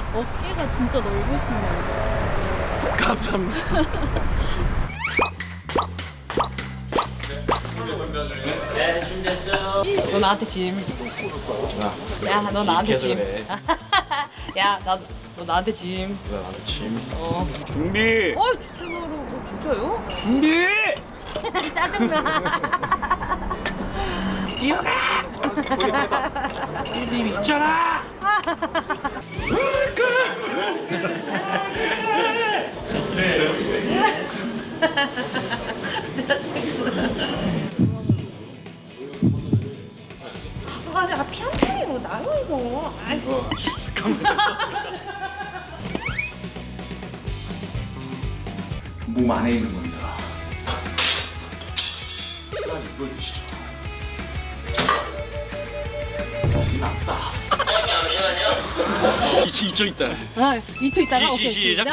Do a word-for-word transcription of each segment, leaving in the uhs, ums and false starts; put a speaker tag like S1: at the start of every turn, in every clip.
S1: 어깨가 진짜 넓으시네요.
S2: 감사합니다.
S3: 네, 준비됐어요.
S1: 너 나한테 짐. 야, 너 나한테 짐.
S2: 그래.
S1: 야, 나, 너 나한테 짐.
S2: 나 나도 짐.
S1: 어.
S2: 준비.
S1: 어, 진짜로? 어, 진짜요?
S2: 준비.
S1: 짜증나.
S2: 일어나. 님 있잖아.
S1: 아, 내가 피한테로 나요 이거. 아이씨.
S2: 몸 안에 있는 겁니다. 시간이 보여주시죠. 낫다.
S3: 잠시만요.
S2: 이치 이쪽 있다.
S1: 아, 이 초 있다가
S2: 시,
S1: 오케이,
S2: 시, 시작.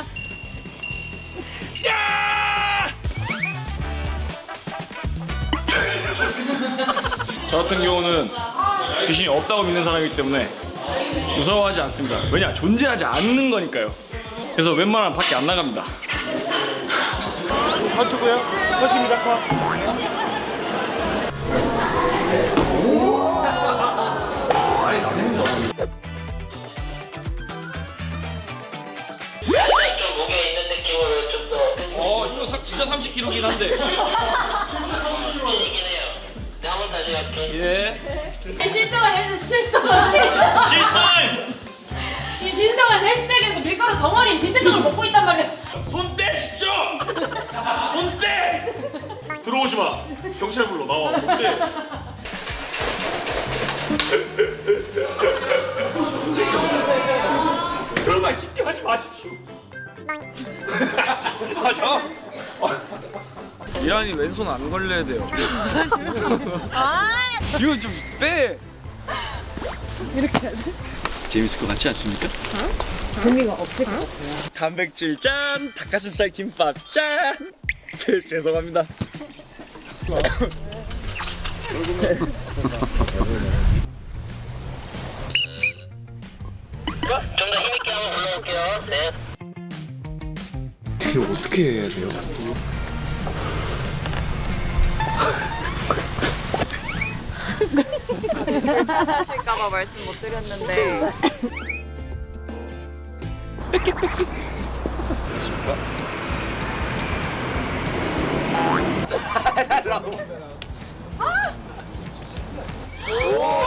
S2: 야! 저 같은 경우는 귀신이 없다고 믿는 사람이기 때문에 무서워하지 않습니다. 왜냐? 존재하지 않는 거니까요. 그래서 웬만하면 밖에 안 나갑니다. 팔투고요. 컷입니다. 컷.
S3: 살짝 좀 목에 있는 느낌으로 좀 더.
S2: 어, 이거 사, 진짜 삼십 킬로그램긴 한데.
S3: 이긴 해요. 네, 한번 다시 할게.
S2: 예.
S4: 실성을 해서 실성을 실성.
S2: 실선!
S4: 이 신성한 헬스장에서 밀가루 덩어리 빈대떡을 먹고 있단 말이야.
S2: 손 떼십시오! 손 떼! 들어오지 마. 경찰 불러 나와. 손 떼. 그런 말 쉽게 하지 마십시오. 맞아. 이란이 왼손 안 걸려야 돼요. 이거 좀 빼.
S1: 이렇게 해야 돼?
S2: 재밌을 것 같지 않습니까?
S1: 재미가 없을 것 같아요.
S2: 단백질 짠, 닭가슴살 김밥 짠. 네, 죄송합니다.
S3: 좀 더 힘있게 한번 올라올게요. 네.
S2: 이거 어떻게 해야 돼요?
S5: 하실까봐 말씀 못 드렸는데
S2: 오!